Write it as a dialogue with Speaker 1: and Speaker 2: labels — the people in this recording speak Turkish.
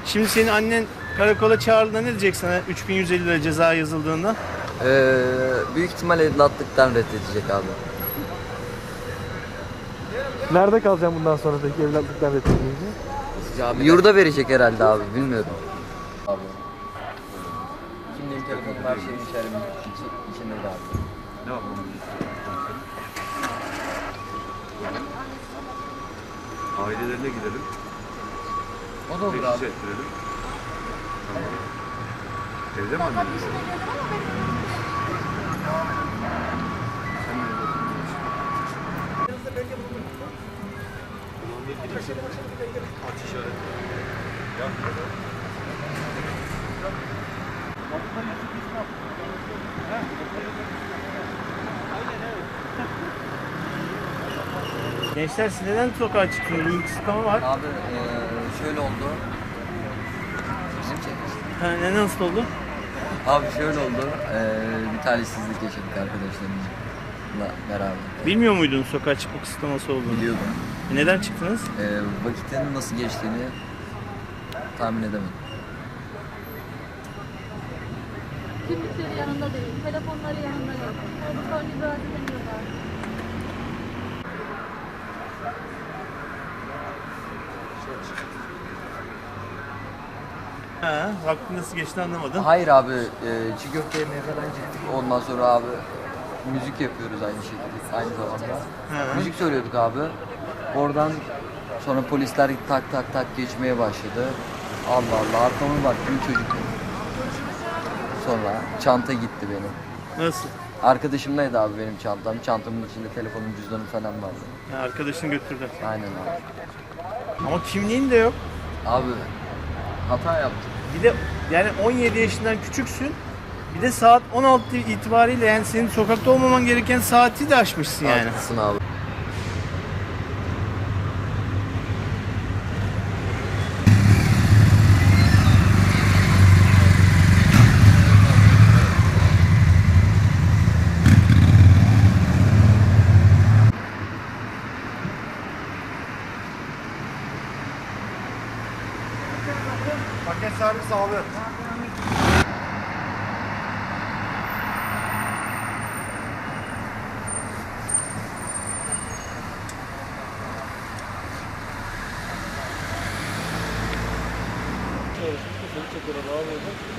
Speaker 1: Şimdi senin annen karakola çağırdığında ne diyecek sana 3150 lira ceza yazıldığında?
Speaker 2: Büyük ihtimal evlatlıktan reddedecek abi.
Speaker 3: Nerede kalacağım bundan sonra peki evlatlıktan reddedilince?
Speaker 2: Yurda verecek herhalde abi, bilmiyorum. Abi. Kimliğim, telefonum, her şeyim içinde de abi.
Speaker 4: Ne yapalım? Ailelerine gidelim.
Speaker 2: O da olur
Speaker 4: Teşhis
Speaker 2: abi.
Speaker 4: ettirelim. Tamam. Evde mi anneniz? Sen nerede oturuyorsun? Aç işareti.
Speaker 1: Gençler siz neden sokağa çıkıyorsunuz? Bir kısıtlama var.
Speaker 2: Abi şöyle oldu. Bizim çekmiş.
Speaker 1: Ha, ne nasıl oldu?
Speaker 2: Abi şöyle oldu. Bir talihsizlik yaşadık arkadaşlarımızla beraber.
Speaker 1: Bilmiyor muydun sokağa çıkma kısıtlaması olduğunu?
Speaker 2: Biliyordum.
Speaker 1: Neden çıktınız?
Speaker 2: Vakitin nasıl geçtiğini tahmin edemedim.
Speaker 5: Kimlikleri yanında değil, telefonları yanında yok. Sonra ibraz edemiyorlar.
Speaker 1: Ha, vaktin nasıl geçti anlamadım.
Speaker 2: Hayır abi, çiğ köfte yemeye falan gittik. Ondan sonra abi müzik yapıyoruz aynı şekilde, aynı zamanda.
Speaker 1: Hı.
Speaker 2: Müzik söylüyorduk abi. Oradan sonra polisler tak tak tak geçmeye başladı. Allah Allah, arkama baktım, çocuk. Sonra çanta gitti benim.
Speaker 1: Nasıl?
Speaker 2: Arkadaşımdaydı abi benim çantam. Çantamın içinde telefonum, cüzdanım falan vardı.
Speaker 1: Ha, arkadaşını götürdü.
Speaker 2: Aynen abi.
Speaker 1: Ama kimliğin de yok.
Speaker 2: Abi hata yaptık.
Speaker 1: Bir de yani 17 yaşından küçüksün. Bir de saat 16 itibariyle yani senin sokakta olmaman gereken saati de aşmışsın yani.
Speaker 2: Haklısın abi.
Speaker 4: Paket servis abi.
Speaker 3: Seni çekiyorlar abi.